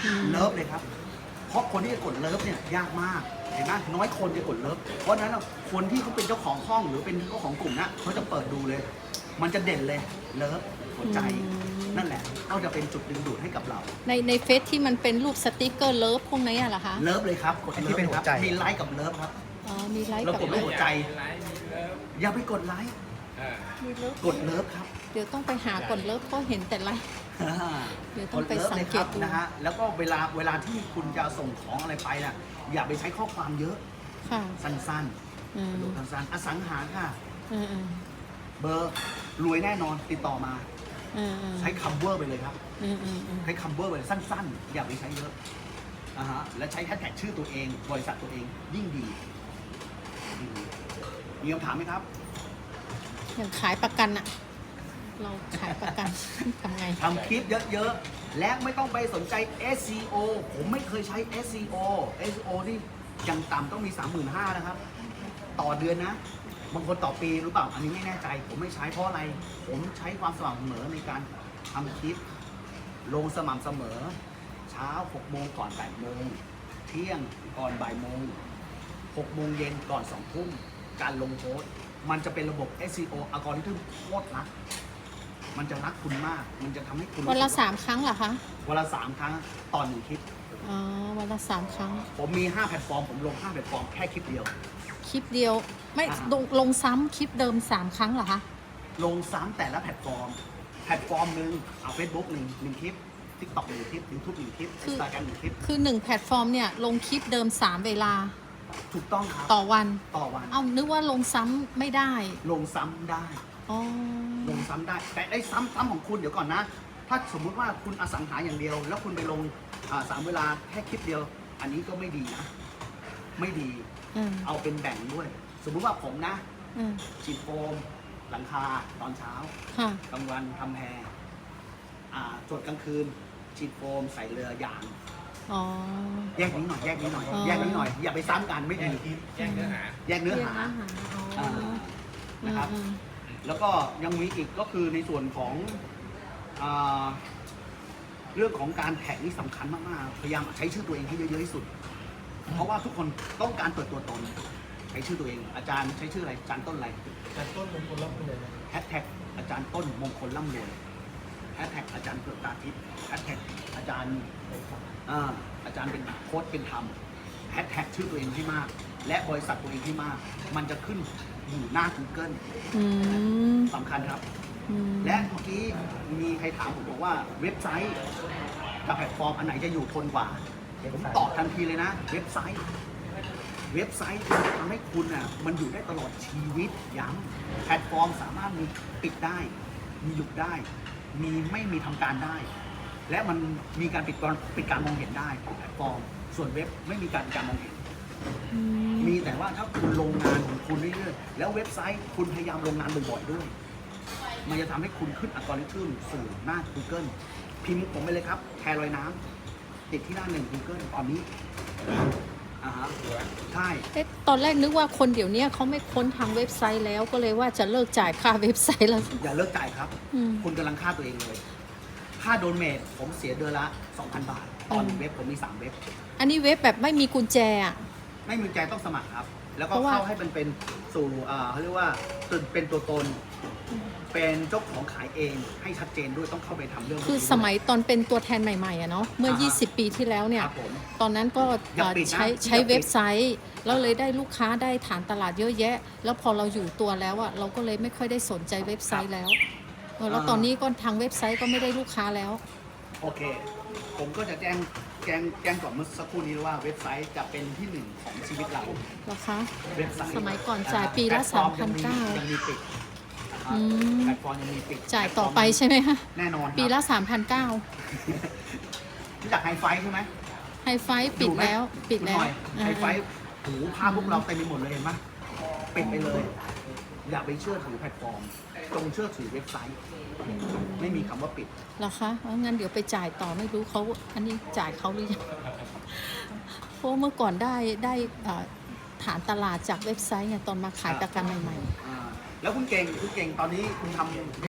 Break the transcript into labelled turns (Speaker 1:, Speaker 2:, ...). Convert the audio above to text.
Speaker 1: เลิฟเลยครับเพราะคนที่จะกดเลิฟเนี่ยยากมากเห็นไหมน้อยคนจะกดเลิฟเพราะฉะนั้นคนที่เขาเป็นเจ้าของห้องหรือเป็นเจ้าของกลุ่มนะเขาจะเปิดดูเลย มันจะเด่นเลยเลิฟหัวใจนั่นแหละก็จะเป็นจุดดึงดูดให้กับเรา
Speaker 2: ในเฟซที่มันเป็นรูปสติกเกอร์เลิฟพวกนี้เหรอคะ
Speaker 1: เลิฟเลยครับกดที่เป็นหัวใจมีไลค์กับเลิฟครับ
Speaker 2: มีไลค์
Speaker 1: เรา
Speaker 2: กับ
Speaker 1: กดหัวใจอย่าไปกดไลค์กดเลิฟครับ
Speaker 2: เดี๋ยวต้องไปหากดเลิฟเพราะเห็นแต่ไลค์เดี๋ยวต้องไปสังเกตดู
Speaker 1: นะฮะแล้วก็เวลาที่คุณจะส่งของอะไรไปน่ะอย่าไปใช้ข้อความเยอะสั้นๆดูสั้นๆอสังหาค่ะเบอร์รวยแน่นอนติดต่อมาใช้คัมเวอร์ไปเลยครับใช้คัมเวอร์ไปเลยสั้นๆอย่าไปใช้เยอะและใช้แฮชแท็กชื่อตัวเองบริษัทตัวเองยิ่งดีมีคำถามไหมครับ
Speaker 2: อย่างขายประกันอะเราขายประกันทำไง
Speaker 1: ทำคลิปเยอะๆและไม่ต้องไปสนใจ SEO ผมไม่เคยใช้ SEO นี่ยังต่ำต้องมี 35,000 นะครับต่อเดือนนะบางคนต่อปีหรือเปล่าอันนี้ไม่แน่ใจผมไม่ใช้เพราะอะไรผมใช้ความสม่ำเสมอในการทำคลิปลงสม่ำเสมอเช้า6 โมงก่อน8 โมงเที่ยงก่อนบ่ายโมง6 โมงเย็นก่อน2 ทุ่มการลงโพสต์มันจะเป็นระบบ SEO อัลกอริทึมโคตรรักมันจะรักคุณมากมันจะทำให้คุณ
Speaker 2: วันละ3 ครั้งเหรอคะ
Speaker 1: วันละ3 ครั้งต่อ1 คลิป
Speaker 2: วันละ3 ครั้ง
Speaker 1: ผมมี5 แพลตฟอร์มผมลง5 แพลตฟอร์มแค่คลิปเดียว
Speaker 2: ไม่ลงซ้ำคลิปเดิม3 ครั้งเหรอคะ
Speaker 1: ลงซ้ำแต่ละแพลตฟอร์มหนึ่งเอา Facebook 1 คลิป TikTok 1 คลิป YouTube 1 คลิป Instagram 1 คลิป
Speaker 2: คือ1 แพลตฟอร์มเนี่ยลงคลิปเดิม3 เวลา
Speaker 1: ถูกต้องครับ
Speaker 2: ต่อวัน นึกว่าลงซ้ำไม่ได้
Speaker 1: ลงซ้ำได้ลงซ้ำได้แต่ไอ้ซ้ำของคุณเดี๋ยวก่อนนะถ้าสมมุติว่าคุณอสังหาอย่างเดียวแล้วคุณไปลง3 เวลาแค่คลิปเดียวอันนี้ก็ไม่ดีนะไม่ดีเอาเป็นแบ่งด้วยสมมุติว่าผมนะฉีดโฟมหลังคาตอนเช้ากลางวันทำแพรจดกลางคืนฉีดโฟมใส่เรือยางแยกนี้หน่อยอย่าไปซ้ำกันไม่ดีแยกเนื้อหานะครับแล้วก็ยังมีอีกก็คือในส่วนของเรื่องของการแท็กนี่สำคัญมากๆพยายามใช้ชื่อตัวเองให้เยอะๆที่สุดเพราะว่าทุกคนต้องการเปิดตัวตนใช้ชื่อตัวเองอาจารย์ใช้ชื่ออะไรอาจารย์ต้นอะไร
Speaker 3: อาจารย์ต้นมงคลร่ำรวย
Speaker 1: แฮชแท็กอาจารย์ต้นมงคลร่ำรวยแฮชแท็กอาจารย์เผือกตาทิพย์แฮชแท็กอาจารย์เป็นโค้ชเป็นธรรมแฮชแท็กชื่อตัวเองให้มากและบริษัทตัวเองให้มากมันจะขึ้นอยู่หน้า Google สำคัญครับและเมื่อกี้มีใครถามผมบอกว่าเว็บไซต์กับแพลตฟอร์มอันไหนจะอยู่ทนกว่าผมตอบทันทีเลยนะเว็บไซต์ทำให้คุณมันอยู่ได้ตลอดชีวิตย้ำแพลตฟอร์มสามารถมีปิดได้มีหยุดได้มีไม่มีทำการได้และมันมีการปิดการมองเห็นได้แพลตฟอร์มส่วนเว็บไม่มีการมองเห็นมีแต่ว่าถ้าคุณลงงานของคุณเรื่อยๆแล้วเว็บไซต์คุณพยายามลงงานบ่อยๆด้วยมันจะทำให้คุณขึ้นอัลกอริทึมสู่หน้า Google พิมพ์ผมไปเลยครับแพรลอยน้ำติดที่หน้า1 Google ตอนนี้ใช่
Speaker 2: ตอนแรกนึกว่าคนเดี๋ยวนี้เขาไม่ค้นทางเว็บไซต์แล้วก็เลยว่าจะเลิกจ่ายค่าเว็บไซต์แล้ว
Speaker 1: อย่าเลิกจ่ายครับคุณกำลังฆ่าตัวเองเลยค่าโดเมทผมเสียเดือนละ 2,000 บาทตอนเว็บผมมี3 เว็บ
Speaker 2: อันนี้เว็บแบบไม่มีกุญแจ
Speaker 1: ไม่มีกุญแจต้องสมัครครับแล้วก็เข้าให้มันเป็นสู่เขาเรียกว่าเป็นตัวตนเป็นเจ้าของขายเองให้ชัดเจนด้วยต้องเข้าไปทำเรื่อง
Speaker 2: คือสมัยตอนเป็นตัวแทนใหม่ๆเนาะเมื่อ20 ปีที่แล้วเนี่ยตอนนั้นก็ใช้เว็บไซต์แล้วเลยได้ลูกค้าได้ฐานตลาดเยอะแยะแล้วพอเราอยู่ตัวแล้วเราก็เลยไม่ค่อยได้สนใจเว็บไซต์แล้วแล้วตอนนี้ก็ทางเว็บไซต์ก็ไม่ได้ลูกค้าแล้ว
Speaker 1: โอเคผมก็จะแจ้งก่อนเมื่อสักครู่นี้ว่าเว็บไซต์จะเป็นที่1ของชีวิตเรา
Speaker 2: เหรอคะ
Speaker 1: เว็บไซต์
Speaker 2: สมัยก่อนจ่ายปีละ 3,900
Speaker 1: ยังมีปิดแพลตฟอร์มยังมีปิด
Speaker 2: จ่ายต่อไปใช่ไหมคะ
Speaker 1: แน่นอน
Speaker 2: ปีละ 3,900
Speaker 1: รู้จักไฮไฟใช่ไหม
Speaker 2: ไฮไฟปิดแล้ว
Speaker 1: ไฮไฟหูภาพพวกเราเต็มไปหมดเลยเห็นไหมปิดไปเลยอย่าไปเชื่อถือแพลตฟอร์มจงเชื่อถือเว็บไซต์ไม่มีคำว่าปิด
Speaker 2: เหรอคะงั้นเดี๋ยวไปจ่ายต่อไม่รู้เขาอันนี้จ่ายเขาหรือยังเพราะเมื่อก่อนได้ฐานตลาดจากเว็บไซต์ไงตอนมาขายประกันใหม่ๆ
Speaker 1: แล้วคุณเก่งตอนนี้คุณทำ